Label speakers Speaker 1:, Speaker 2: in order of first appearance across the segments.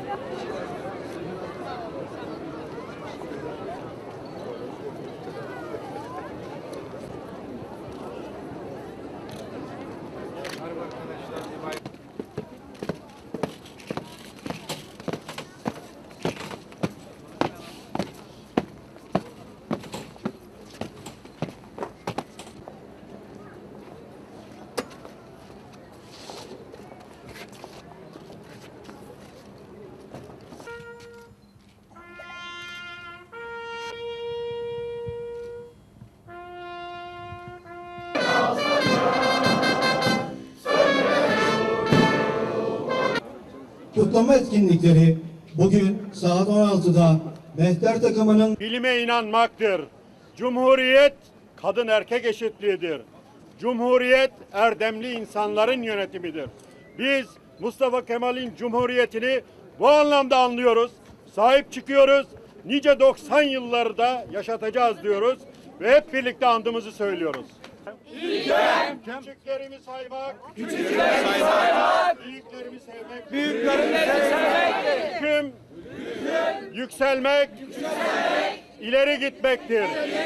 Speaker 1: Kutlama etkinlikleri bugün saat 16'da Mehter takımının
Speaker 2: bilime inanmaktır. Cumhuriyet kadın erkek eşitliğidir. Cumhuriyet erdemli insanların yönetimidir. Biz Mustafa Kemal'in Cumhuriyetini bu anlamda anlıyoruz. Sahip çıkıyoruz. Nice 90 yıllarda yaşatacağız diyoruz ve hep birlikte andımızı söylüyoruz.
Speaker 3: İlkem,
Speaker 2: Küçüklerimi saymak, büyüklerimi sevmek, hüküm, yükselmek, ileri gitmektir.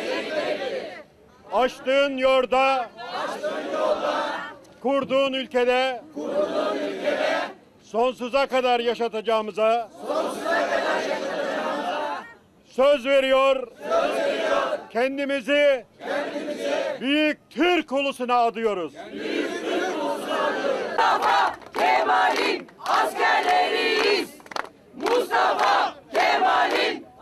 Speaker 2: Açtığın yolda, kurduğun ülkede, sonsuza kadar yaşatacağımıza, söz veriyor, kendimizi büyük Türk ulusuna adıyoruz.
Speaker 3: Mustafa Kemal'in askerleriyiz. Mustafa Kemal'in